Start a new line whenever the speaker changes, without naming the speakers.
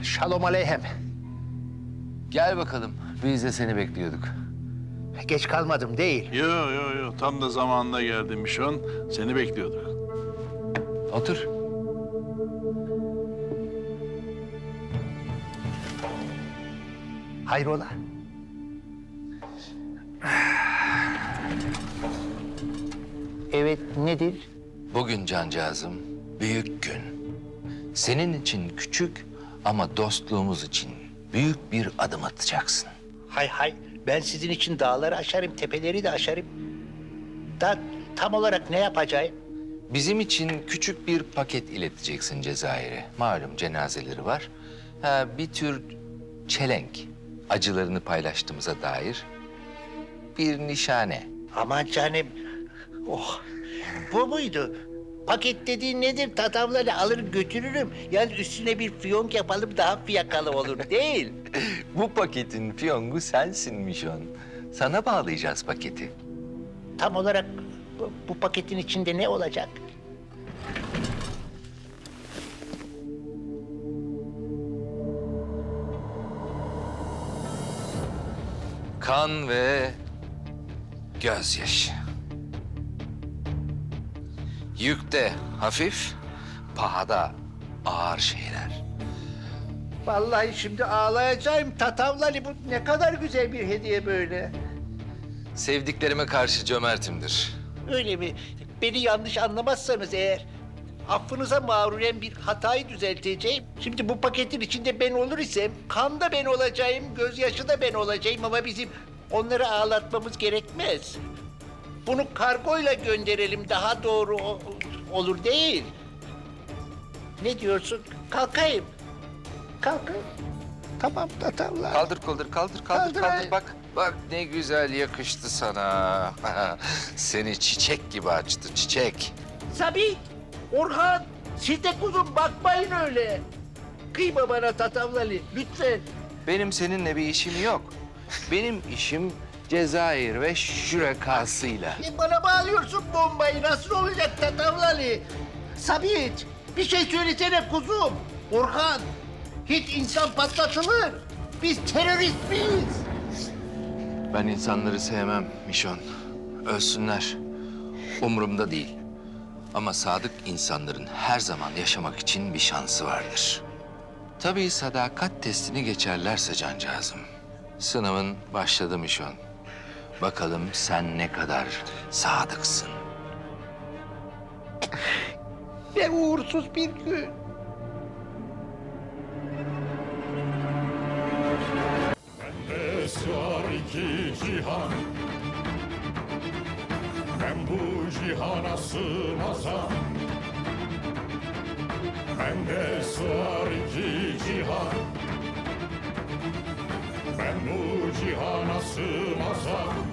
Şalom aleyhem.
Gel bakalım. Biz de seni bekliyorduk.
Geç kalmadım değil.
Yo. Tam da zamanında geldin Mişon. Seni bekliyorduk.
Otur.
Hayrola? Evet, nedir?
Bugün cancağızım büyük gün. Senin için küçük ama dostluğumuz için büyük bir adım atacaksın.
Hay, ben sizin için dağları aşarım, tepeleri de aşarım. Da tam olarak ne yapacağım?
Bizim için küçük bir paket ileteceksin Cezayir'e. Malum cenazeleri var. Bir tür çelenk. Acılarını paylaştığımıza dair bir nişane.
Aman canım. Oh, bu muydu? Paket dediğin nedir? Tatavları alır götürürüm. Yani üstüne bir fiyonk yapalım daha fiyakalı olur değil.
Bu paketin fiyongu sensin Mişon. Sana bağlayacağız paketi.
Tam olarak bu paketin içinde ne olacak?
Kan ve gözyaşı. Yükte hafif, pahada ağır şeyler.
Vallahi şimdi ağlayacağım. Tatavlali bu ne kadar güzel bir hediye böyle.
Sevdiklerime karşı cömertimdir.
Öyle mi? Beni yanlış anlamazsanız eğer affınıza mağruren bir hatayı düzelteceğim. Şimdi bu paketin içinde ben olur isem kan da ben olacağım, gözyaşı da ben olacağım ama bizim onları ağlatmamız gerekmez. Bunu kargoyla gönderelim daha doğru olur değil. Ne diyorsun? Kalkayım. Kalkayım. Tamam tatavla.
Kaldır, kaldır.
Kaldır.
Bak ne güzel yakıştı sana. Seni çiçek gibi açtı, çiçek.
Sabit, Orhan, siz de kuzum bakmayın öyle. Kıyma bana tatavlali, lütfen.
Benim seninle bir işim yok. Benim işim Cezayir ve şürekasıyla.
Bana bağlıyorsun bombayı, nasıl olacak tatavlali? Sabit, bir şey söylesene kuzum. Orhan, hiç insan patlatılır. Biz terörist miyiz?
Ben insanları sevmem Mişon. Ölsünler. Umurumda değil. Ama sadık insanların her zaman yaşamak için bir şansı vardır. Tabii sadakat testini geçerlerse cancağızım. Sınavın başladı Mişon. Bakalım sen ne kadar sadıksın.
Ne uğursuz bir gün.
Bende sığar iki cihan, ben bu cihana sığmazam. Bende sığar iki cihan, ben bu cihana sığmazam.